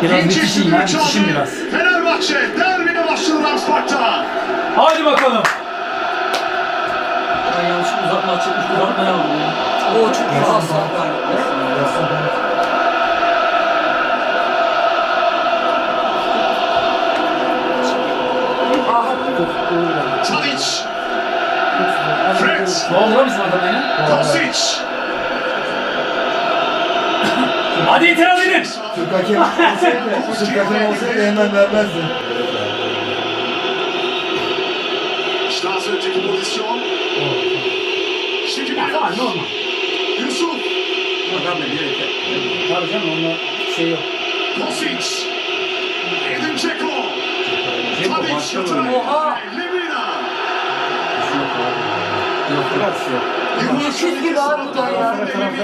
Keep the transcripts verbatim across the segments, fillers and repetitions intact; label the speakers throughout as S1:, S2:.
S1: Biraz bitişim ya, bitişim biraz.
S2: Fenerbahçe derbine başladı Ramspark'ta.
S1: Hadi bakalım.
S3: Ben yanlış uzatma açılmış uzatmaya aldım ya. O çok iyi pas.
S2: Tadic. Fred.
S1: Ne oldu lan bizim adama ya?
S2: Kosic.
S1: Hadi itiraz edin.
S4: Türk hakem olsaydı, Türk hakem olsaydı hemen vermezdi.
S2: İşte az önceki pozisyon. Şimdi
S1: Ya tamam normal.
S2: Yusuf.
S3: Adam da bir yere.
S1: Tabii canım onda şey yok.
S2: Kosic. Edin Dzeko.
S3: Dzeko
S2: Tadic.
S3: başlıyor.
S2: Oha. Lemina.
S3: Yok bırak şu.
S2: Yılmaz gibi abi bu da ya.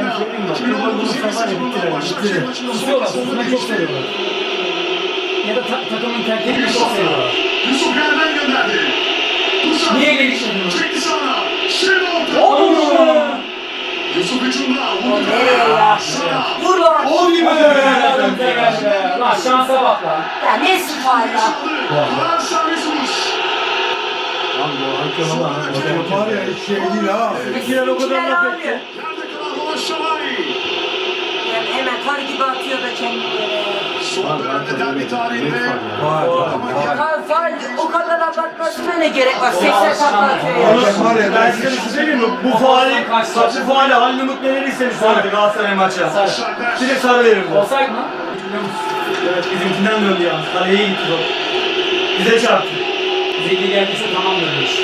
S1: Tutuyorlar, tutmayı çok seviyorlar. Ya da ta takımın terkini çok seviyorlar.
S2: Yusuf yerden gönderdi.
S1: Niye geliştirdin?
S2: Çekti sana. Şenol.
S1: Ooo!
S2: Yusuf hücumda.
S5: Nereye ya? Vur lan.
S4: O gibi be.
S1: Lan şansa bak lan.
S5: Ya nesi faal ya?
S2: Karar servis vuruş.
S3: Lan bu hakem ama.
S4: Var ya hiç şey değil ha.
S3: İkiler o kadar laf etti.
S2: Yerde kalan Roman Şalay.
S5: Yani hemen kar gibi atıyor da kendini.
S2: Son dönemde derbi tarihinde.
S4: Var var var.
S5: Kar faal o kadar abartmasına ne gerek var? seksen takla atıyor ya.
S4: Hakem var ya
S3: Ben
S4: ben
S3: size bir şey söyleyeyim mi? Bu faali, bu faali Halil Umut neler istemiş sanki Galatasaray maçı. Direkt sarı verir bu.
S1: Olsaydı mı?
S3: Evet bizimkinden döndü yalnız. Kaleye gitti top. Bize çarptı.
S1: Zeki geldiyse tamamdır bu iş.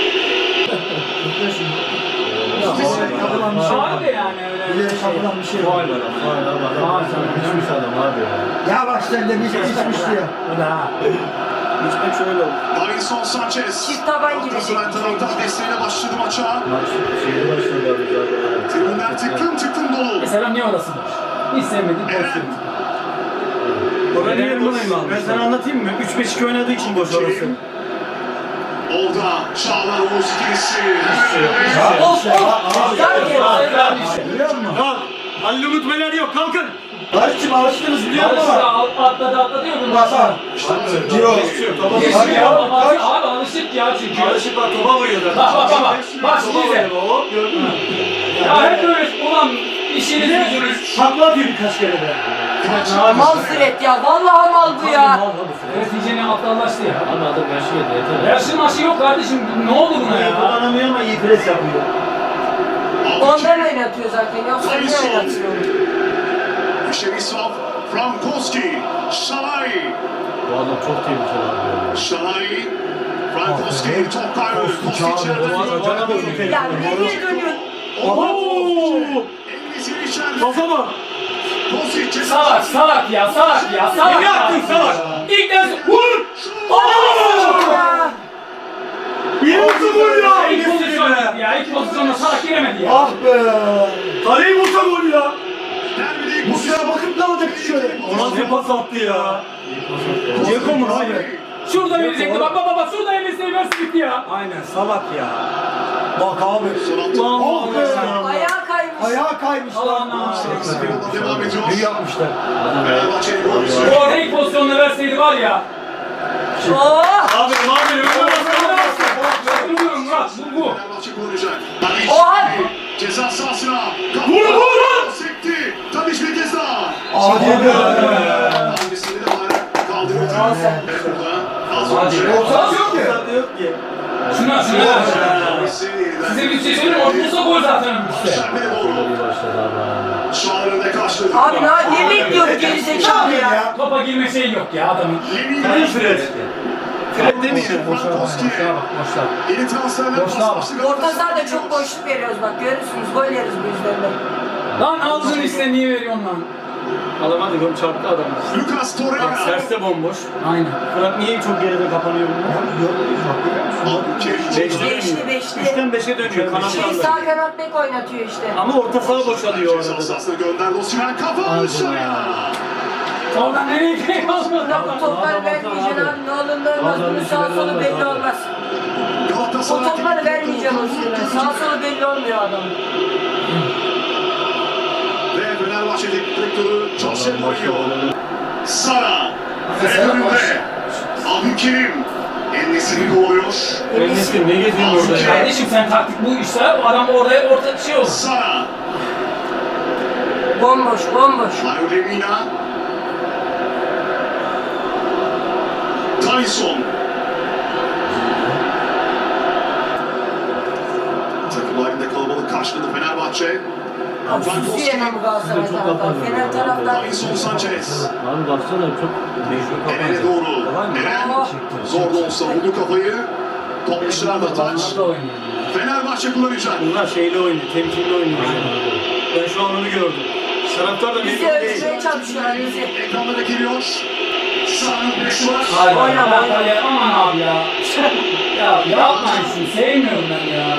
S4: yapılan bir şey var.
S1: Abi yani öyle
S4: Bir de yapılan bir şey var.
S3: Faal sana düşmüş adam abi ya.
S4: Ya bak sen de bir şey içmişti ya.
S1: O da ha.
S3: İçmek şöyle oldu.
S2: Davinson Sanchez.
S5: Çift taban girecek.
S2: Galatasaray taraftar desteğiyle başladı maça.
S3: Maç şeyde başladı abi zaten.
S2: Tribünler tıklım tıklım dolu.
S1: Mesela niye orası var? Hiç sevmediğim pozisyon.
S3: Ben niye buradayım abi? Ben sana anlatayım mı? üç beş iki oynadığı için boş orası.
S2: Olda Çağlar Oğuz ikilisi.
S5: Of of. Sanki.
S4: Biliyor musun?
S3: Kalk! Halil Umut Meler yok kalkın!
S4: Barış'cım alıştınız biliyor musun
S1: Alıştı,
S4: ama?
S1: al- atladı atladı yok mu?
S4: Bak bak. Yok.
S3: Topa
S1: Geçti
S4: Hadi
S1: ya,
S4: ya,
S1: abi,
S4: kaç?
S1: abi alışık ya çünkü.
S3: Alışık bak topa vuruyor zaten.
S1: Bak bak bak bak. Bak şimdi
S3: Topa
S1: izle.
S3: vuruyor hop gördün mü?
S1: Ya hep böyle ulan işiniz gücünüz.
S3: Takla atıyor birkaç kere de.
S5: Mal Fred ya. Vallahi mal bu ya.
S1: Evet iyice aptallaştı ya.
S3: Abi adam yaşıyor da yeter.
S1: Yaşı maşı yok kardeşim. Ne oldu buna
S3: İyi
S1: ya?
S3: kullanamıyor ama iyi pres yapıyor.
S5: Ondan oynatıyor zaten. Yoksa niye oynatıyor?
S2: Şerisov, Frankowski, Şalay.
S3: Bu adam çok tehlikeli abi ya.
S2: Şalay, Frankowski, top kaybı. Kostic yerden.
S5: Ya nereye dönüyorsun?
S3: Ooo!
S2: Engiz'in içeride.
S3: Kafa bak!
S2: Kostic ceza
S1: Salak
S2: sahası.
S1: salak ya salak ya salak.
S3: Ne yaptın salak?
S1: İlk ders vur.
S5: Ya.
S3: İyi olsun vur ya!
S1: İlk pozisyon gitti ya. İlk pozisyonda salak giremedi ya.
S4: Ah be.
S3: Kaleyi vursa gol ya!
S2: Derbide ilk
S4: Musa'ya bakıp ne olacak şöyle?
S3: O nasıl pas attı ya? Ceko mu abi?
S1: Şurada verecekti bak bak bak şurada elbise versin gitti ya.
S3: Aynen salak ya.
S4: Bak abi.
S2: Son altı.
S4: Ah be.
S5: Ayağı kaymış.
S4: Ayağı kaymış lan.
S1: Allah'ım.
S2: Devam ediyor.
S4: Ne yapmışlar?
S2: Fenerbahçe'nin golcüsü.
S1: Bu arada ilk pozisyonda verseydi var ya.
S5: Oh.
S3: Abi abi önüne
S1: Vuruyorum Murat bu bu.
S2: Fenerbahçe kullanacak.
S5: Oha.
S2: Ceza sahasına.
S3: Vur, vur, vur!
S2: Sekti. Tadic bir kez daha.
S4: Hadi be.
S2: Hangisini de var. Kaldırıyor. Evet burada. Az önce.
S4: Ortası yok ki.
S3: yok ki.
S1: Şuna şuna.
S2: Hangisini yeniden.
S1: Size bir şey söyleyeyim mi? Ortası gol zaten işte.
S2: Şerbe'ye doğru. Çağlar'ın da karşıladı.
S5: Abi ne, ne bekliyor bu geri zekalı ya?
S4: Ya.
S1: Topa girme şey yok ya adamın.
S2: Lemina.
S3: Fred. Fred demiyor.
S2: Frankowski.
S1: Boşlar.
S2: Yeni transferler
S1: Boşluğa bak.
S2: başladı.
S5: Orta sahada çok boşluk veriyoruz bak görürsünüz gol yeriz bu yüzden de.
S1: Lan aldın işte niye veriyorsun lan?
S3: Alamadı gol çarptı adam.
S2: Lucas
S3: Bak
S2: Torreira.
S3: serse bomboş.
S1: Aynen.
S3: Fırat niye çok geride kapanıyor bunlar? Beşte
S5: Beşli
S3: dönüyor.
S5: beşli.
S3: Üçten beşe dönüyor
S5: Şey
S3: kanatlarla.
S5: sağ kanat bek oynatıyor işte.
S3: Ama orta saha boşalıyor
S2: Ceza
S3: arada da.
S2: sahasına gönderdi. Osimhen kafa dışarıya.
S1: Oradan nereye gidiyor?
S5: Buna bu topları vermeyeceksin abi ne olur ne olmaz bunun sağ solu belli olmaz. O
S2: Galatasaray
S5: topları vermeyeceğim o sürede. Sağ solu belli olmuyor adamın.
S2: ve Fenerbahçe teknik direktörü Jose Mourinho. Sara. Ve önünde. Abdülkerim. En-Nesyri kovalıyor.
S3: Enes'im ne geziyorsun orada ya?
S1: Kardeşim sen taktik bu işte o adam oraya orta şey olur.
S2: Sara.
S5: Bomboş, bomboş.
S2: Mario Lemina. Tyson. Takım halinde kalabalık karşıladı Fenerbahçe.
S5: Abi sus yine bu Galatasaray taraftar. Fener taraftar.
S2: Tyson Sanchez.
S4: Abi baksana çok mecbur
S2: Eren'e
S4: kapanacak.
S2: doğru. Eren zor da olsa vurdu kafayı. Top dışarıda taç.
S1: Onlar da oynuyor.
S2: Fenerbahçe kullanacak.
S3: Bunlar şeyle oynuyor, temkinli oynuyor. Ben şu an onu gördüm. Taraftar da
S5: Bizi
S3: memnun değil.
S5: ölçmeye çalışıyorlar bizi.
S2: Ekranlara geliyor. Sağın presi var.
S1: Hayır,
S5: Oynama,
S1: hayır,
S5: oynama.
S1: hayır, aman abi ya. Ya yapmayın şunu, sevmiyorum ben ya.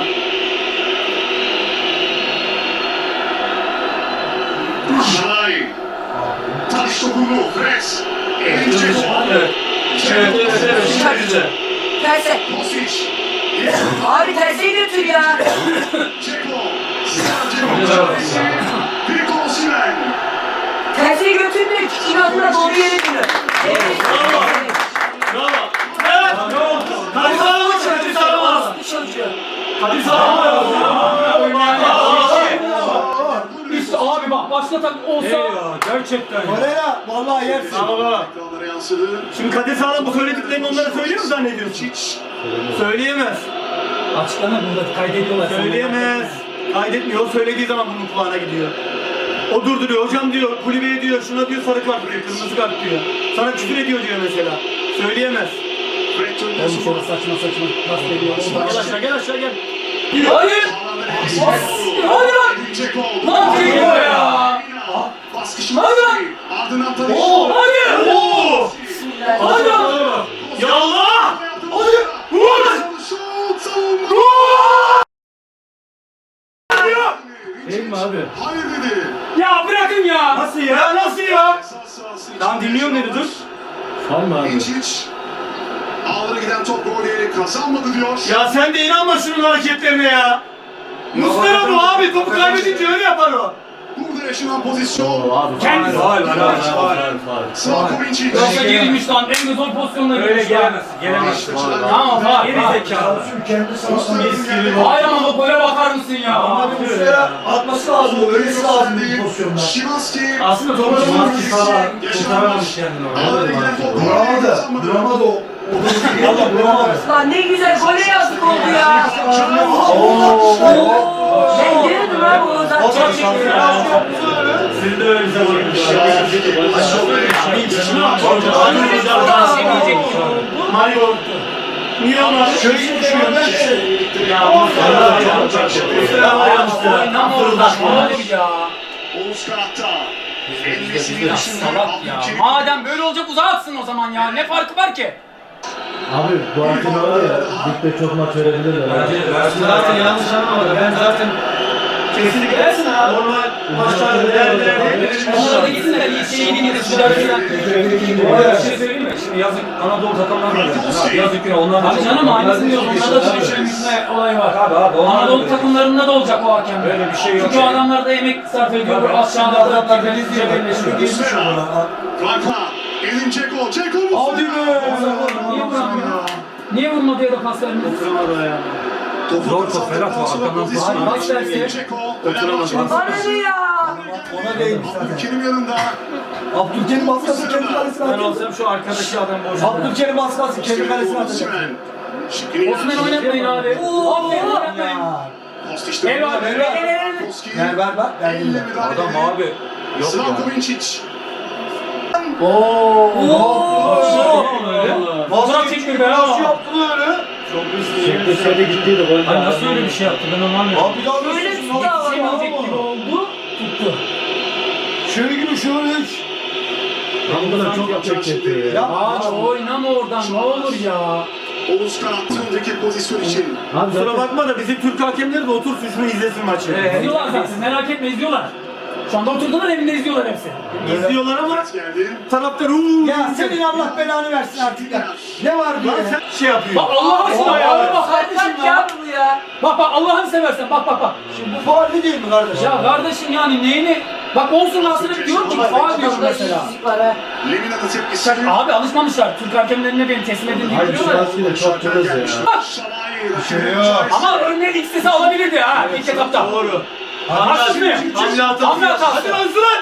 S2: Şalay. Taş topunu. Fres. Elince
S3: Evet. Evet, evet, evet. Şimdi güzel.
S5: Terse.
S2: Kosic.
S5: Abi terse götür ya.
S2: Ceko. Sadece Victor Osimhen.
S5: Terse götürdük. İnadına doğru yere gidiyor. Evet.
S3: Bravo. Evet. Kadir Sağlam mı? Kadir Sağlam mı?
S5: Bu çocuğu.
S3: Kadir Sağlam mı?
S1: İşte abi bak başlatan olsa
S3: Gerçekten.
S4: Torreira vallahi yersin.
S3: Bravo.
S2: Ekranlara yansıdı.
S3: Şimdi Kadir Sağlam bu söylediklerini onlara söylüyor mu zannediyorsun?
S2: Çiç.
S3: Söyleyemez.
S1: açıklama burada kaydediyorlar.
S3: Söyleyemez. Kaydetmiyor. O söylediği zaman bunun kulağına gidiyor. O durduruyor. Hocam diyor, kulübeye diyor, şuna diyor sarı kart diyor, kırmızı kart diyor. Sana küfür ediyor diyor mesela. Söyleyemez.
S2: Fred
S1: Oğlum
S2: Tönüsü
S1: şöyle
S2: var.
S1: saçma saçma pas veriyor.
S3: Gel aşağı, gel aşağı gel.
S1: Hayır. Hadi lan.
S2: Ceko.
S1: Lan Ceko ya.
S2: Baskışı
S1: Hadi lan.
S2: Ardından tanış.
S3: Oo!
S1: Hadi.
S3: Oo!
S1: Hadi.
S3: Ya Allah!
S2: Hadi. Vur. Şut savunma.
S4: Değil mi abi?
S2: Hayır dedi.
S1: Ya bırakın ya.
S3: Nasıl ya? Nasıl ya?
S2: Esas sahası
S3: Tamam,
S2: içinde
S3: dinliyorum dedi,
S2: yaşananlar.
S3: dur.
S4: Var mı abi?
S2: İncic. Ağlara giden top gol yeri kazanmadı diyor.
S3: Ya sen de inanma şunun hareketlerine ya. Muslera bu abi, topu kaybedince öyle yapar o.
S2: Burada yaşanan pozisyon.
S4: Abi
S1: Kendisi.
S3: Faul, faul, faul, faul.
S2: Slavko Vincic.
S1: Yoksa gerilmiş lan. En zor pozisyonda
S3: Öyle
S1: girmiş lan.
S3: gelemez, gelemez.
S1: Tamam var.
S3: Geri
S1: var.
S3: zekalı.
S4: Şu kendi sahasına
S2: Mis gibi.
S1: Hayır ama bu gole bakar mısın ya?
S4: Abi Muslera atması lazım. Ölmesi lazım bu pozisyonda.
S2: Şimanski.
S3: Aslında topu
S2: Şimanski
S3: kurtaramamış kendini orada.
S2: Ağlara giden top gol yeri
S4: Vuramadı.
S2: kazanmadı.
S4: Vuramadı o. Valla vuramadı.
S5: Lan ne güzel gole yazdık oldu ya. Ben dedim abi o zaten.
S3: Siz de öyle bize vurmuş Mario. Niye onlar? Şöyle düşüyor. Ya Muslera ayağımızda.
S1: Oynama oradan. Olur ya.
S2: Oğuz kanatta. En-Nesyri
S1: Ya
S2: dışında
S1: salak ya.
S2: Abdülkerim.
S1: Madem böyle olacak uzağa atsın o zaman ya. Ne farkı var ki?
S4: Abi bu hakim var ya. Ligde çok maç verebilirler.
S3: Zaten yanlış anlamadım. Ben zaten kesinlikle versin abi. Normal maçlarda değerlerde.
S1: Onlar da gitsinler. İyi şeyini gidip südersinler.
S6: Bir şey söyleyeyim mi? Şimdi yazık Anadolu takımları var. Ya. Yazık yine onlar da
S1: Abi
S6: çok-
S1: canım aynısını diyoruz.
S6: Onlar
S1: Onlarda da
S6: çok-
S1: düşürülmüşme olayı var.
S6: Abi abi onlar
S1: Anadolu
S6: böyle.
S1: takımlarında da olacak o hakem.
S6: Öyle bir şey yok
S1: Çünkü o
S6: yani.
S1: adamlar da emek sarf ediyor. Bu aşağılarda da birbirinizi cebelleşiyor.
S2: Muslera. Franka. Edin Ceko. Ceko Muslera.
S1: Niye vuramıyor? Niye vurmadı ya da pas vermedi?
S2: Topu
S6: Zor top,
S2: kazandıktan
S6: Ferhat var,
S2: sonra
S6: arkadan
S2: pozisyon
S1: pas
S2: değiştirdi.
S1: verse.
S2: Ceko. Fenerbahçe'nin
S5: Bana ne ya?
S4: Ona değmiş zaten.
S2: Abdülkerim yanında.
S4: Abdülkerim baskısı kendi kalesine
S3: Ben
S4: atıyor.
S3: olsam şu arkadaki adam boş.
S4: Abdülkerim baskısı kendi kalesine atacak.
S2: Osimhen. Şıkkını
S1: Osman
S2: yaptı.
S1: oynatmayın abi. Aferin oynatmayın.
S2: Kostiç'te
S1: El var,
S2: müdahale.
S1: el, el, el.
S2: Koski.
S4: Gel ver bak. Ver
S2: Elle
S4: eline.
S2: müdahale
S6: Adam
S2: edildi.
S6: abi. Yok
S2: Slavko
S6: ya.
S2: Vincic.
S1: Fotoğraf çekmiyor be ha.
S4: Dışarıda gittiydi gol.
S6: Ay nasıl öyle bir şey yaptı ben onu anlamadım.
S4: Abi daha
S5: Böyle
S4: nasıl?
S5: tuttu ama.
S1: Yetişemeyecek gibi oldu. Tuttu.
S4: Şöyle gibi şöyle üç. Ben bu kadar çok yapacak çekiyor ya.
S1: Abi oynama oradan ne olur ya.
S2: Oğuz kanattı öndeki pozisyon için.
S4: Abi
S3: Kusura bakma da bizim Türk hakemleri de otursun şunu izlesin maçı.
S1: İzliyorlar zaten merak etme izliyorlar. Şu anda oturdular evinde izliyorlar hepsi.
S3: İzliyorlar ama
S2: Maç geldi.
S3: taraftar uuu.
S4: Ya senin Allah belanı versin artık ya. Ne var bu
S3: Lan
S4: ya?
S3: sen şey yapıyor.
S1: Bak Allah aşkına ya. Bak
S5: Kaç
S1: kardeşim
S5: ya
S1: ya.
S5: bu ya?
S1: Bak bak Allah'ını seversen bak bak bak.
S4: Bu faul değil mi kardeş?
S1: Ya kardeşim yani neyini Bak olsun aslında diyorum ki faul diyorum mesela.
S5: İşsizlik var ha.
S2: Lemina'nın tepkisi.
S1: Abi alışmamışlar. Türk hakemlerine beni teslim edin diye
S4: Hayır
S1: biliyorlar.
S4: Şimanski de çok temiz ya.
S2: şey
S4: yok.
S1: Ama örneğin ikisi alabilirdi ha ilk etapta.
S3: Doğru.
S1: Haksız mıyım?
S3: Hamle hatası.
S1: Hamle hatası.
S3: Hadi lan Zılan.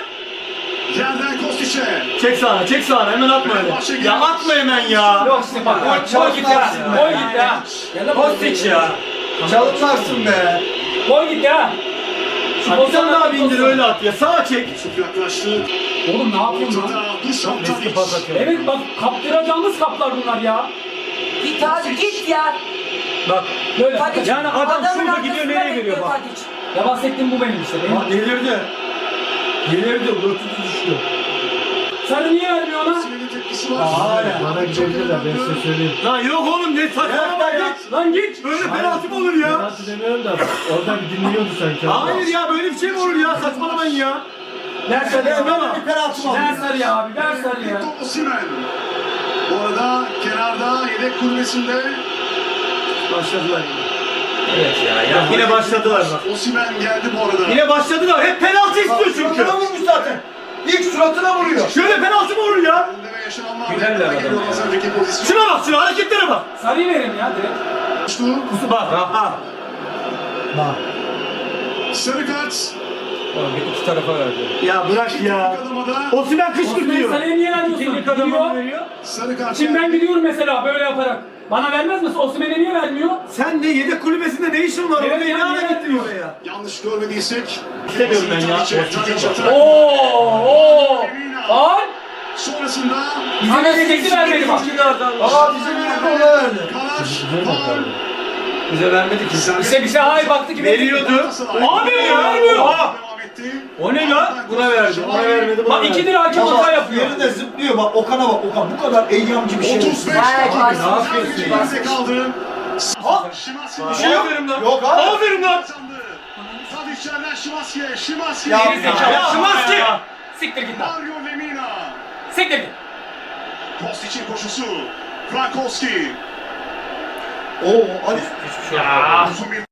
S2: Yerden Kostic'e.
S3: Çek sağına, çek sağına. Hemen atma öyle. Ya atma hemen ya.
S1: Yok işte bak. Gol git ya. Gol git ya.
S3: Kostic ya.
S4: Çalımlarsın be.
S1: Gol git ya. Şu
S3: Bir tane daha bindir
S1: pozisyon-
S3: öyle at ya. Sağa çek.
S2: Yusuf yaklaştı.
S1: Oğlum ne yapıyorsun lan?
S2: Ortada Dušan
S3: Eski pas
S2: Tadić.
S3: atıyor.
S1: Evet bak kaptıracağımız kaplar bunlar ya.
S5: Git hadi git ya.
S6: Bak.
S1: Böyle.
S5: Tadić.
S6: Yani adam
S5: Adamın
S6: şurada gidiyor,
S5: arkasında
S6: nereye veriyor
S5: bekliyor
S6: bak.
S5: Tadić.
S1: Ya bahsettiğim bu benim işte. Benim.
S3: Bak delirdi. Delirdi. Dörtüncü düştü.
S1: Sarı niye vermiyor ona?
S2: Sinir'in tepkisi var.
S3: Hala.
S4: Bana gidebilirler ben size söyleyeyim.
S3: Lan yok oğlum ne saçmalama ya.
S1: Lan git.
S3: Böyle penaltı mı olur ya?
S4: Penaltı demiyorum da orada bir dinliyordu sanki.
S3: Hayır ya böyle bir şey mi olur ya? Saçmalamayın ya.
S1: Ver sarı
S3: Ama
S1: ama.
S3: bir penaltı mı
S1: Ver sarı ya abi. Ver sarı ya.
S2: Victor Osimhen. Bu arada kenarda yedek kulübesinde
S3: Başladılar yine.
S6: Evet ya. ya.
S3: Yine başladılar bak.
S2: Osimhen geldi bu arada.
S3: Yine başladılar. Hep penaltı istiyor çünkü.
S4: Suratına vurmuş zaten. İlk suratına vuruyor.
S3: Şöyle penaltı mı olur ya?
S2: Önde ve yaşananlar
S6: Gülerler
S2: meydana
S6: adama
S2: geliyor
S6: ya.
S2: az önceki pozisyon.
S3: Şuna bak şuna hareketlere bak.
S1: Sarıyı verin ya direkt.
S2: Koştu.
S3: Kusu bak. Ha.
S4: Bak.
S2: Sarı kart.
S6: Oğlum bir iki tarafa verdi.
S3: Ya bırak ya.
S2: Adamada
S3: Osimhen
S1: Osman
S3: kışkırtıyor.
S1: sarıya niye vermiyorsun?
S6: Teknik adamı
S1: Gidiyor.
S6: veriyor.
S2: sarı kart.
S1: Şimdi ben
S2: geldi.
S1: gidiyorum mesela böyle yaparak. Bana vermez misin? Osman'e niye vermiyor?
S3: Sen de yedek kulübesinde ne işin var?
S1: Evet,
S3: Orada ne
S1: yani
S3: ara
S1: yani.
S3: gittin oraya?
S2: Yanlış görmediysek.
S3: İstemiyorum ben ya.
S2: Tadic'e, Tadic atar.
S1: Oo, oo. Faul.
S2: Sonrasında
S1: Bize verecekti vermedi bak.
S4: Aa bize bir ona verdi.
S2: karar. Faul.
S3: Bize vermedi ki.
S1: İşte bize hayır baktı ki
S3: Veriyordu.
S1: Abi vermiyor.
S3: Oha!
S2: Devam etti.
S3: O ne lan? Buna verdi. Ona vermedi. Buna
S1: Bak
S3: verdi.
S1: ikidir hakem hata yapıyor.
S4: Yeri de zıplıyor bak Okan'a bak Okan bu kadar eyyamcı bir şey.
S2: otuz beş.
S5: Vay,
S2: Abi,
S5: bas-
S2: ne yapıyorsun?
S5: bas-
S2: Geride kaldı.
S3: Ha?
S2: Şimanski
S3: Bir şey yok. Aferin lan.
S4: Yok abi.
S3: Aferin lan.
S2: kazandı. Tadic yerden Şimanski'ye. Şimanski.
S4: Ya,
S1: Geri zekalı.
S3: Ya,
S1: Şimanski.
S3: ya.
S1: Siktir git lan.
S2: Mario Lemina.
S1: Siktir git.
S2: Kostic'in koşusu. Frankowski.
S4: Oo hadi.
S2: Uzun bir...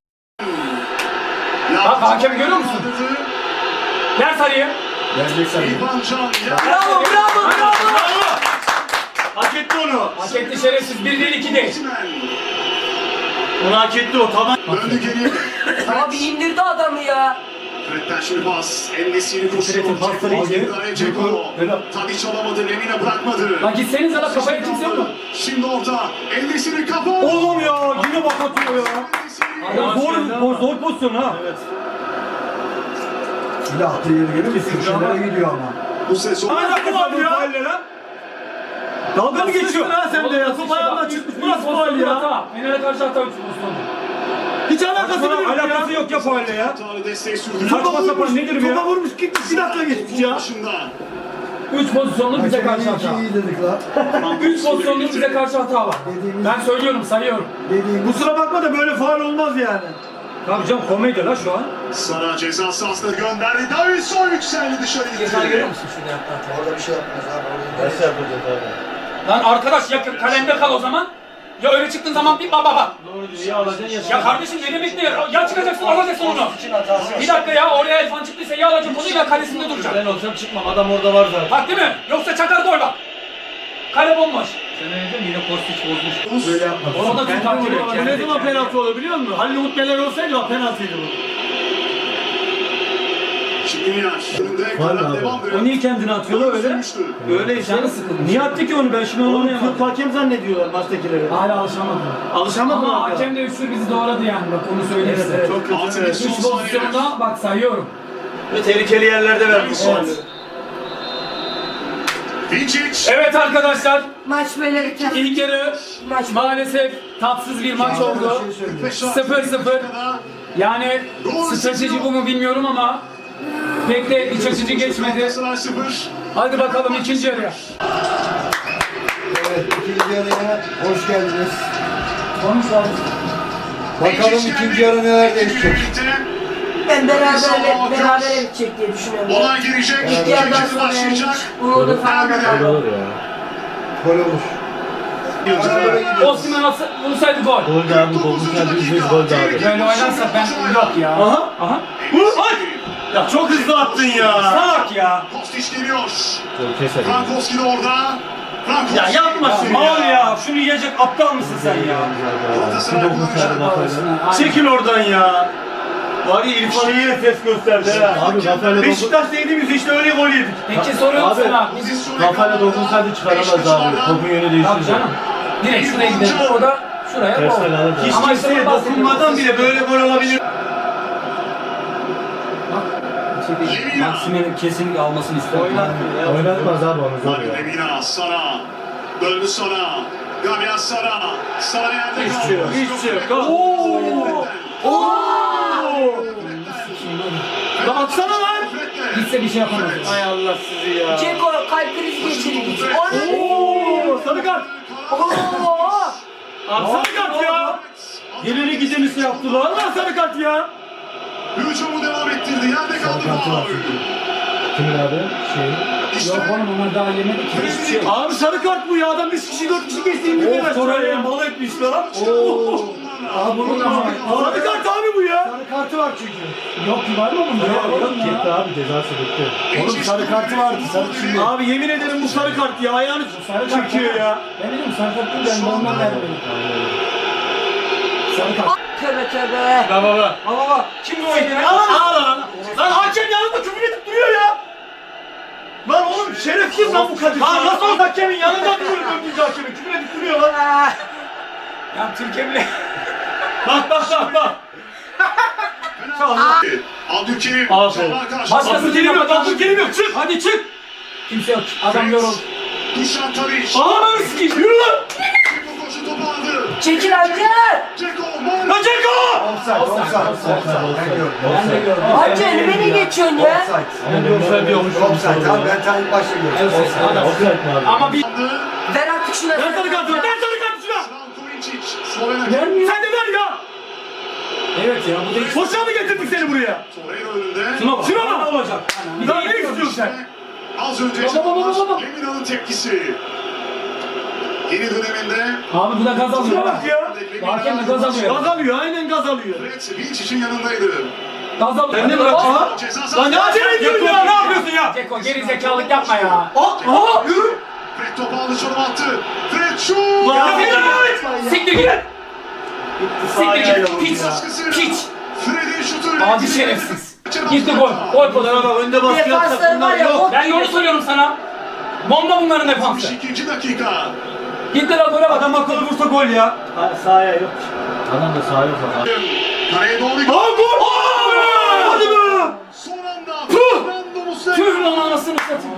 S1: Bak, hakem görüyor musun? Ver sarıyı.
S4: Vereceksen.
S2: İrfan Can.
S1: Bravo bravo bravo.
S3: Hak etti onu.
S1: Hak etti şerefsiz. Bir değil iki değil.
S2: Osimhen.
S3: Onu hak etti o. Tamam.
S2: Döndü geriye.
S5: Abi indirdi adamı ya.
S2: Fred'den şimdi pas. En-Nesyri koşuyor.
S3: Fred'in pasları iyice.
S2: Ceko. Tadic alamadı. Lemina bırakmadı.
S1: Lan gitseniz ala kafaya kimse yok mu?
S2: Şimdi orta. En-Nesyri kafa.
S3: Oğlum ya. Yine bak atıyor ya.
S2: En-Nesyri.
S3: Zor, zor, zor pozisyon ha. Evet.
S4: Silah attığı yeri görüyor musun? Köşelere gidiyor ama.
S2: Bu sezon.
S3: Hala faul ya. Dalga mı geçiyorsun ha sen de ya? Top ayağından çıkmış. Bu nasıl faul ya?
S1: Fener'e karşı hata üç pozisyonu.
S3: Hiç alakası bile yok ya.
S6: Alakası yok ya faulle ya.
S2: Tarı desteği sürdü.
S3: Topa
S6: sapan
S3: vurmuş.
S6: nedir bu ya?
S3: Topa vurmuş. Gitmiş. Bir dakika geçmiş ya.
S2: Başında.
S1: Üç pozisyonlu bize karşı
S4: Hakemin
S1: hata.
S4: iyi dedik la.
S1: Üç pozisyonlu bize karşı hata var.
S4: Dediğimiz-
S1: Ben söylüyorum sayıyorum.
S4: Dediğimiz
S3: Kusura bakma da böyle faul olmaz yani.
S6: Tabii canım komedi la şu an.
S2: Sara ceza sahasına gönderdi. Davinson yükseldi dışarı
S1: Ceza görüyor
S2: gitti.
S1: musun şurada yaptığı hatayı?
S4: orada bir şey yapmaz abi. Orada
S3: Nasıl yapacağız abi?
S1: Lan arkadaş ya kalemde kal o zaman. Ya öyle çıktığın zaman bir baba bak.
S3: Doğru diyor. Ya alacaksın ya.
S1: Ya kardeşim ne demek ne ya? Ya çıkacaksın alacaksın onu. Bir dakika ya oraya Elfan çıktıysa ya alacaksın onu ya kalesinde duracak.
S3: Ben olsam çıkmam. Adam orada var zaten.
S1: Bak değil mi? Yoksa çakar gol bak. Kale bomboş.
S6: Sen ne dedin yine Kostic bozmuş.
S4: böyle yapmaz.
S1: O da Türk hakemi.
S3: Bu ne zaman penaltı olur biliyor musun? Halil Umut Geller olsaydı o penaltıydı bu.
S2: Şikrinyar. Önünde
S4: Var
S2: karar
S4: abi.
S2: devam
S6: O niye kendini atıyor la öyle?
S2: Sürmüştü.
S3: Öyle işte.
S1: Canı sıkılmış.
S6: Niye attı ki onu ben şimdi onu
S3: Oğlum
S6: anlayamadım.
S3: Türk hakem zannediyorlar maçtakileri.
S1: Hala alışamadım.
S3: Alışamadın
S1: Ama
S3: abi.
S1: hakem de üçlü bizi doğradı yani bak onu söyleyeyim
S3: Evet,
S1: size.
S3: evet, çok kötü.
S2: Altı
S3: Evet.
S2: bir
S1: Üç
S2: son
S1: pozisyonda bak sayıyorum.
S3: Ve tehlikeli yerlerde vermiş.
S2: Evet. Vincic.
S1: Evet arkadaşlar
S5: Maç böyle biter.
S1: ilk yarı
S5: Maç
S1: maalesef tatsız bir maç oldu. sıfır sıfır. Yani strateji bu mu bilmiyorum ama pek de iç açıcı geçmedi.
S2: Galatasaray sıfır.
S1: Hadi bakalım ikinci yarıya.
S4: Evet ikinci yarıya hoş geldiniz.
S1: Konuş abi.
S4: Bakalım
S2: Vincic
S4: ikinci
S2: geldi.
S4: yarı neler değişecek.
S2: Birlikte
S5: Ben beraberle berabere bitecek diye düşünüyorum.
S2: olay girecek.
S5: İlk
S2: İkinci
S5: yarıdan
S2: yarı
S5: sonra yani
S2: başlayacak.
S5: hiç umudu falan da kalmadı.
S4: Gol olur.
S1: Osman atsa, vursaydı gol.
S4: Gol de abi. Gol
S2: dokuzuncu dakika.
S4: gol de abi.
S1: Böyle oynarsa ben yok ya.
S3: Aha.
S1: Aha.
S3: Vur! Ay! Ya çok hızlı attın ya.
S6: Salak ya.
S2: Kostić geliyor.
S4: Keser.
S2: Frankowski de orada. Frankowski.
S3: Ya yapma şunu
S6: Mal
S3: ya.
S6: ya. Şunu yiyecek aptal mısın sen ya?
S2: Galatasaray kullanacak.
S3: Çekil oradan ya. Var ya İrfan'ı yine ses gösterdi ha.
S4: Abi kafayla dokun.
S3: Beşiktaş yediğimiz işte öyle gol yedik.
S1: Peki soruyorum
S4: Abi,
S1: sana.
S4: Kafayla dokunsaydı çıkaramaz abi. Topun yönü
S1: Tabii
S4: değiştirdi.
S1: canım. Direkt şuraya gidelim. O da şuraya
S4: Ters
S1: gol.
S4: ayağını da.
S3: Hiç
S1: Ama
S3: kimseye
S1: işte
S3: dokunmadan bile böyle gol olabilir.
S6: Maksime'nin kesinlikle almasını isterim.
S4: Oynatmaz abi onu zor ya.
S2: Lemina, Sara. Döndü Sara. Gabriel Sara. Sara yerde kaldı.
S3: Hiç şey yok, hiç şey yok.
S2: Oo!
S3: Lan atsana lan.
S1: Gitse bir şey yapamaz.
S3: Ay Allah sizi ya.
S5: Ceko kalp krizi geçirdi. Onu.
S3: Oo, sarı kart.
S5: Oo.
S3: Abi sarı kart ya. Geleni gideni şey yaptılar. Allah sarı kart ya.
S2: Hücumu devam ettirdi. Yerde kaldı faul.
S4: Kimin abi? Şey.
S2: İşte
S1: Yok oğlum onlar daha yemedi ki.
S2: Hiçbir şey yok.
S3: Abi sarı kart bu ya. Adam üç kişi dört kişi geçtiğini
S6: Of
S3: bilemez.
S6: Torreira mal etmiş lan.
S4: Abi bunun ama.
S3: Sarı kart abi bu ya.
S4: Sarı kartı var çünkü.
S1: Yok ki var mı bunda?
S6: Yok,
S1: Yok
S6: yok
S1: ya.
S4: Gitti abi cezası bitti. Oğlum sarı kartı vardı. Sarı şimdi.
S3: Abi yemin ederim bu sarı kart ya. Ayağını
S1: Sarı kart
S3: çekiyor ya.
S1: Ben dedim sarı kart değil ben de ondan vermedim. Sarı kart.
S5: Tövbe tövbe.
S3: Baba baba.
S6: Baba baba. Kim bu oyunu?
S3: Al lan lan. Lan hakem yanında küfür edip duruyor ya. Lan oğlum şerefsiz lan bu kadın. Lan nasıl hakemin yanında duruyor dördüncü hakemin küfür edip duruyor lan.
S5: Ah.
S6: Ya Türkiye bile.
S3: Bak bak bak bak.
S2: Abdülkerim.
S3: Aferin.
S2: Çalar karşı.
S1: Başka-
S3: Abdülkerim yok Abdülkerim yok çık.
S6: Hadi çık.
S1: Kimse yok. Adam yoruldu.
S2: Dušan Tadić.
S3: Ağır sikeyim yürü lan.
S2: Ceko koşu topu aldı.
S5: Çekil hadi.
S2: Ceko.
S3: Lan Ceko.
S4: Offside, offside, offside.
S1: Ben de gördüm.
S5: Hacı elime ne geçiyorsun ya?
S3: Offside diyormuş.
S4: Offside abi ben ta ilk başta gördüm. Offside mi abi?
S1: Ama bir
S5: Ver artık şuna.
S3: Ben sarı kart ver. Ben sarı kart şuna.
S2: Slavkovičić. Slovenya.
S3: Sen de ver ya.
S1: evet ya bu da
S3: Boşa mı getirdik seni buraya?
S2: Torreira önünde.
S6: Şuna bak.
S3: Şuna bak.
S6: Ne olacak?
S3: Lan ne istiyorsun sen?
S2: Az önce
S1: Baba, baba, baba, baba.
S2: Lemina'nın tepkisi. Yeni döneminde
S1: Abi bu da gaz alıyor
S3: Şuna
S1: ha.
S3: bak ya.
S1: Hakem de gaz alıyor.
S3: Gaz alıyor aynen gaz alıyor.
S2: Fred Vinçic'in yanındaydı.
S1: Gaz alıyor.
S3: Ben de bırak. Aha.
S2: Ceza
S3: Lan
S2: sahası.
S3: ne acele ediyorsun ya? Ne yapıyorsun ya?
S1: Ceko geri zekalılık yapma ya.
S3: Aha. Yürü.
S2: Fred topu aldı, çalım attı. Fred şut.
S3: Lan
S1: Ya,
S3: Fred.
S1: Siktir git. Siktir
S3: Sahaya
S1: git.
S3: yok
S1: Piç.
S2: Baskısıyla
S1: Piç.
S2: Fred'in şutuyla.
S1: Adi şerefsiz. Gitti gol. Gol pozisyonu.
S3: Bak önde baskı yapsak
S5: Defansları var
S3: bunlar
S5: ya,
S3: yok.
S5: bok
S1: Ben yolu söylüyorum sana. Bomba bunların defansı.
S2: ikinci dakika.
S1: Gitti lan gole bak.
S6: Adam akıllı vursa gol ya.
S3: Sahaya yok.
S4: Adam da sağa yok abi.
S2: Kaleye doğru
S3: Aa gol. Hadi be.
S2: son anda. Fernando Muslera.
S1: Tüh lan anasını satayım.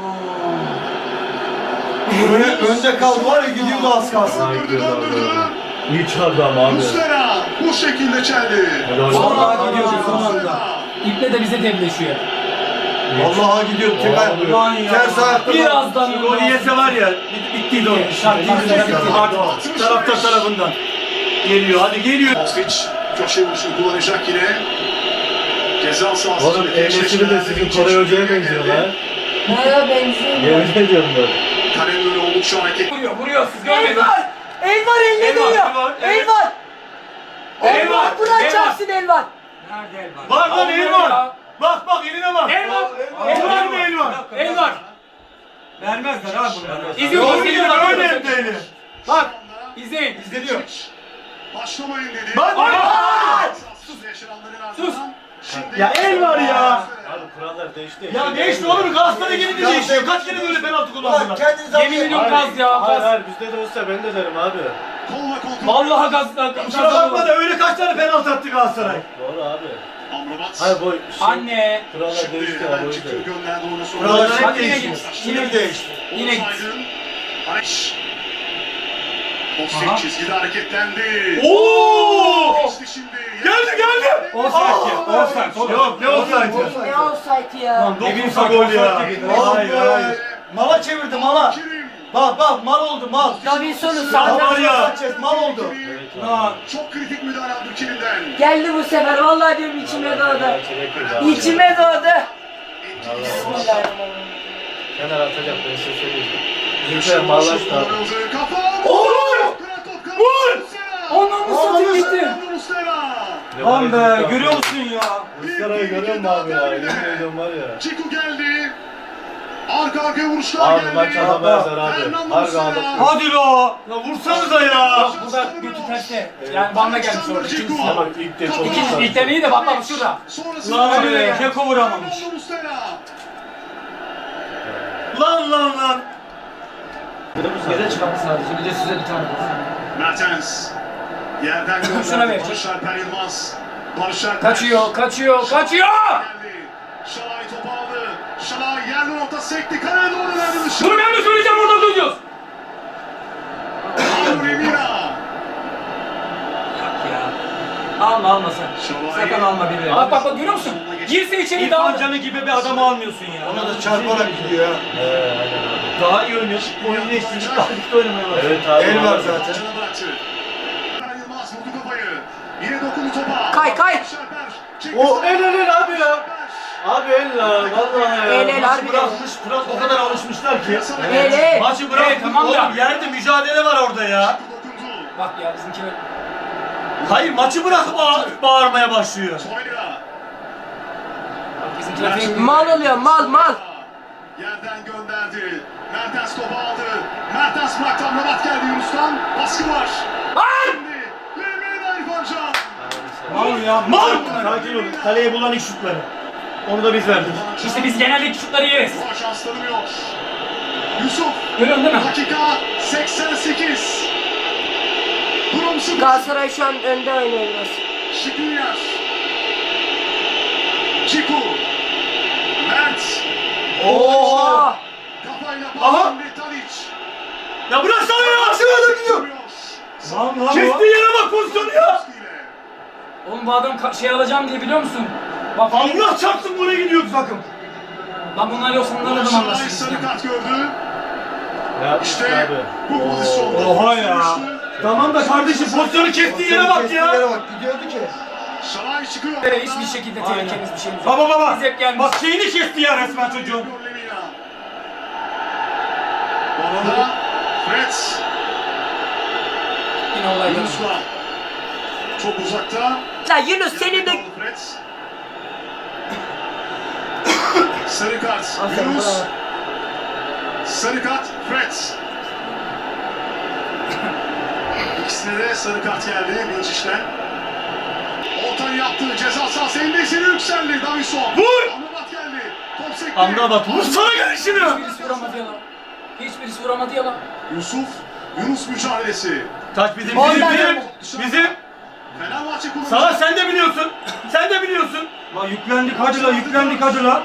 S4: Önde kaldı var ya gidiyordu az kalsın.
S2: Döndürdü, döndürdü.
S4: İyi çıkardı ama abi.
S2: Muslera bu şekilde çeldi.
S6: Vallahi gidiyordu son anda.
S1: İple de bize devleşiyor.
S4: Vallahi gidiyordu tek ayak.
S6: Ulan ya.
S4: Ters ayakta.
S1: Birazdan
S3: Gol yese var ya bit- bittiydi o iş.
S1: Şart, şart, şart.
S3: Artık taraftar tarafından. Geliyor hadi geliyor.
S2: Kostić köşe vuruşunu kullanacak yine. Ceza sahası.
S4: Oğlum ehliyetini de sizin Koray Hoca'ya benziyor lan.
S5: Neye benziyor?
S4: Yemin ediyorum böyle.
S2: Kalenin önü oldukça hareket.
S1: Vuruyor, vuruyor siz
S5: El
S1: görmediniz.
S5: var. El var elle
S1: El var,
S5: değiyor.
S3: el var,
S5: El
S3: evet.
S5: var. El
S3: El
S5: var.
S3: var,
S5: Buna
S1: el var.
S5: çarpsın el var.
S1: Nerede el var?
S3: Var lan el
S1: Allah
S3: var.
S1: ya.
S3: Bak bak eline bak.
S1: El var.
S3: El
S1: El
S3: var
S1: var
S3: mı el var?
S1: El var.
S6: Vermezler abi bunları.
S1: İzliyor bak, izliyor
S3: Öyle
S1: bak.
S3: öyle evde eli.
S1: Bak, izleyin.
S3: İzleniyor.
S2: Başlamayın dedi.
S3: Bak
S1: Ay!
S2: Sahasız yaşananların
S1: Sus.
S2: ardından şimdi-
S3: Ya el var ya.
S4: Abi kurallar değişti.
S3: Ya değişti olur Galatasaray gelince değişiyor. Kaç kere böyle penaltı kullandılar.
S1: Yemin ediyorum gaz ya,
S4: Hayır
S1: gaz.
S4: hayır bizde de olsa ben de derim abi.
S2: Kolla kontrol.
S1: Vallahi gaz. gaz-
S3: Kusura bakma da öyle kaç tane penaltı attı Galatasaray.
S4: Doğru abi.
S2: Amrabat.
S4: Hayır bu şey.
S1: Anne.
S4: Kurallar
S2: Şimdi
S4: değişti abi o
S2: hemen
S4: yüzden.
S2: çıktı gönderdi oyunu sonra.
S3: Kurallar
S1: Bak
S3: hep
S1: yine
S3: değişiyor.
S1: git. Yine değişti. Yine git.
S2: Alex.
S1: Aha.
S2: Kostić çizgide hareketlendi.
S3: Oo!
S2: Geçti şimdi.
S3: Geldi geldi.
S6: Offside ya. Offside. oğlum.
S3: Yok ne olsaydı?
S5: Ne olsaydı ya?
S3: Lan dokunsa gol ya. Hayır hayır. Mala çevirdi mala.
S2: Kerim.
S3: Bak bak mal oldu mal.
S5: Davinson'u
S3: Mal
S5: sağdan.
S3: var ya. Mal oldu.
S6: Ha.
S2: Çok kritik müdahale Abdülkerim'den.
S5: Geldi bu sefer. Vallahi diyorum içime doğdu. İçime doğdu. Bismillahirrahmanirrahim.
S4: Kenar atacak ben size söyleyeyim. Bizimkiler mallaştı abi.
S2: Kafa.
S3: Olur.
S2: Kıran top kaldı.
S3: Vur.
S2: Muslera.
S1: Ondan mı satayım gitti?
S2: Muslera.
S6: Lan be görüyor musun ya?
S4: Muslera'yı görüyor musun abi ya? Yemin ediyorum var ya.
S2: Ciku geldi. Arka arkaya vuruşlar
S4: Abi
S2: geldi.
S4: maç adamı ezer abi.
S2: Fernando
S4: Harbi
S2: Muslera.
S4: adam.
S3: Hadi la. Ya vursanıza ya.
S1: Bak bu da götü terste. Yani bana gelmiş orada. İkincisi.
S4: Ama ilk de çok
S1: İkinci
S4: güzel.
S1: ilkten iyi de bak bak şurada.
S2: Sonrasında
S3: Lan
S2: Fernando
S3: be Keko vuramamış.
S2: Muslera.
S3: Lan lan lan.
S6: Bize çıkarttı sadece. Bir de size bir tane.
S2: Mertens. Yerden gönderdi.
S1: Şuna ver.
S2: Barış Alper Yılmaz. Barış Alper.
S1: Kaçıyor, kaçıyor, kaçıyor!
S2: Geldi. Şalay topu aldı. Şalay yerden orta sekti. Kaleye doğru verdi dışarı.
S1: Bunu ben de söyleyeceğim orada duyuyoruz.
S2: Mauro Lemina.
S6: Alma alma sen.
S2: Şalay.
S6: Sakın alma bir
S1: Bak bak bak görüyor musun? Girse içeri daha...
S3: İrfan Can'ı gibi bir adamı almıyorsun ya.
S4: Ona da çarparak gidiyor ha. He aynen abi.
S3: Daha iyi oynuyor. Oyun değiştirdik. Daha ligde oynamaya başladı.
S4: Evet abi. El var
S2: Zaten.
S4: zaten.
S2: Alper Yılmaz vurdu kafayı. Yine dokundu topa.
S5: Kay, kay.
S2: Barış Alper. Çekti
S4: O
S2: sağa.
S4: el el el abi ya. Abi el la vallahi ya.
S5: El el
S3: Maçı
S5: harbiden.
S3: bırakmış. Fırat o kadar alışmışlar ki.
S5: El el.
S3: Maçı bırakmış.
S1: Evet, tamam da.
S3: Oğlum yerde mücadele var orada ya.
S2: Dokundu.
S1: Bak ya bizimki böyle...
S3: Hayır maçı bırakıp bağ- bağırmaya başlıyor.
S2: Torreira.
S1: Bizimkiler fake.
S5: Mal oluyor mal mal.
S2: Yerden gönderdi. Mertens topu aldı. Mertens bıraktı. Amrabat geldi Yunus'tan. Baskı var. Şimdi Lemina İrfan Can.
S3: Mal ya mal. Sakin olun. Kaleye bulan ilk şutları. Onu da biz verdik.
S1: İşte biz genelde şutları yeriz.
S2: Bu şans tanımıyor. Yusuf.
S1: Görüyorsun değil mi?
S2: Dakika seksen sekiz. Durum sıfır.
S5: Galatasaray şu an önde oynuyor biraz.
S2: Şikrinyar. Ciku. Mert.
S5: Oha.
S2: Kafayla
S3: Aha.
S2: pas. Tadic.
S3: Ya bıraksana ya. Aşağıda gidiyor.
S6: Lan lan
S3: Kestiği yere bak pozisyonu ya.
S1: Oğlum bu adam ka- şey alacağım diye biliyor musun? Bak
S3: Allah çarpsın buraya gidiyor takım.
S1: lan bunlar yoksa bunlarla da
S2: Şalay
S1: anlaşırız
S2: sarı
S1: yani.
S2: kart gördü.
S4: Ya
S2: İşte
S4: abi.
S2: bu pozisyonda.
S3: Oha ya. Tamam da kardeşim pozisyonu kestiği yere bak
S4: Kestiği
S3: ya.
S4: yere bak gidiyordu ki.
S2: Şalay çıkıyor.
S1: Böyle hiçbir şekilde tehlikemiz bir şeyimiz yok.
S3: Baba baba.
S1: Biz hep gelmiş.
S3: Bak şeyini kesti ya resmen çocuğun.
S2: Lemina. Bu arada Fred.
S1: Yine olay yok.
S2: Yunus'la. Çok uzakta.
S5: La Yunus senin de...
S2: Fred. Sarı kart.
S5: Aferin,
S2: Yunus.
S5: bravo.
S2: Sarı kart. Fred. İkisine de sarı kart geldi Binciş'ten. Ortayı yaptı. Ceza sahası endesini yükseldi. Davison.
S3: Vur!
S2: Amrabat geldi. Top sekti.
S3: Amrabat vursana gelişini.
S1: Hiçbirisi vuramadı ya lan. Hiçbirisi vuramadı ya lan.
S2: Yusuf. Yunus mücadelesi.
S3: Taç bizim
S5: Vallahi
S3: bizim
S5: ya.
S3: bizim. Bizim.
S2: Fenerbahçe kullanacak.
S3: Sana sen de biliyorsun. Sen de biliyorsun. La yüklendik hadi la yüklendik hadi la.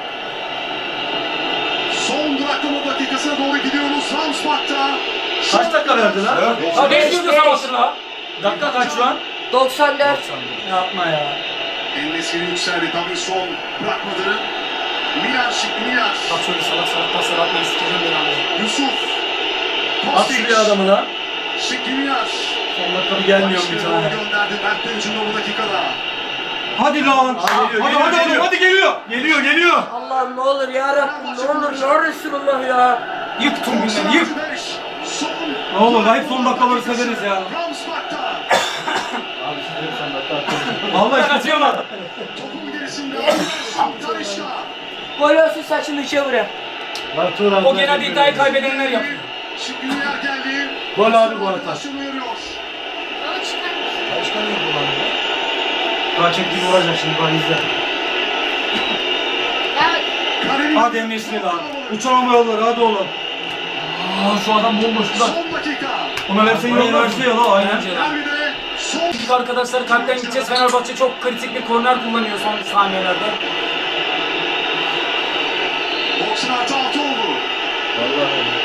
S2: Son duraklama dakikasına doğru gidiyoruz. Ramsbach'ta.
S3: Kaç dakika verdi la?
S1: Ha beş
S5: Beş,
S1: yılda
S5: beş.
S1: savaştır la.
S3: Dakika kaç şu an?
S5: doksan dört.
S3: Yapma ya.
S2: Endesini yükseldi. Davison bırakmadı. Milan şık Milan.
S1: Bak şöyle salak salak paslar atmayı sikeceğim ben abi.
S2: Yusuf.
S3: At şuraya adamı la.
S2: Şık Milan.
S3: Son dakika bir gelmiyor bir tane.
S2: Gönderdi. Mert'ten hücumda bu dakikada.
S3: Hadi lan. Hadi
S4: geliyor,
S3: hadi
S4: geliyor,
S3: hadi
S4: geliyor.
S3: oğlum hadi geliyor. Geliyor geliyor.
S5: Allah'ım ne olur ya Rabbim ne olur ya Resulullah ya.
S1: Yık tüm günleri yık.
S2: Son.
S3: Ne olur hep son dakikaları severiz ya.
S2: Ramsbach'ta.
S4: Abi siz de son dakika atıyorsunuz.
S3: Vallahi kaçıyorlar.
S2: Topun gerisinde. Tarışka.
S5: Gol olsun saçımı içe vurayım.
S4: Lan Turan.
S1: O genelde iddiayı kaybedenler yapıyor.
S2: Şık Milan geldi.
S4: Gol abi bu arada.
S2: Arkadaşını uyarıyor.
S3: Daha çektiğini vuracak şimdi bak izle.
S2: Karenin-
S3: Hadi Emre'sine lan. Uçan yolları hadi oğlum. Aa şu adam bomboş lan.
S2: Son dakika.
S3: Ona versen yol verse ya la aynen.
S1: Bence de.
S2: Derbide son.
S1: İlk arkadaşlar kalpten gideceğiz. Fenerbahçe çok kritik bir korner kullanıyor son saniyelerde.
S2: doksan artı altı oldu.
S4: Vallahi.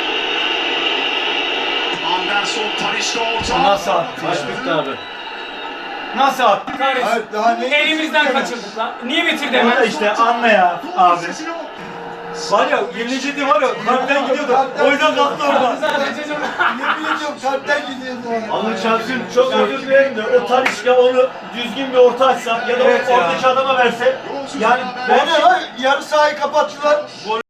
S2: Anderson Tarışka orta.
S3: Nasıl attı
S4: Kaç bitti abi?
S3: Nasıl attı?
S1: Kahretsin.
S4: Hayır, daha ne-
S1: Elimizden kaçırdık lan. Niye bitirdi
S3: Ona
S1: hemen?
S3: işte anla ya
S2: Gol
S3: abi.
S2: sesi yok.
S3: Var ya yenilecekti var ya kalpten gidiyordu. O yüzden kalktı orada.
S4: Yemin ediyorum kalpten gidiyordu.
S3: Ama Çarpsın çok özür dilerim de o Talişka onu düzgün bir orta açsa ya da
S4: Evet
S3: o
S4: ya.
S3: oradaki adama verse
S2: Golsüz
S3: yani
S2: beraber.
S4: O ne lan? Yarı sahayı kapattılar.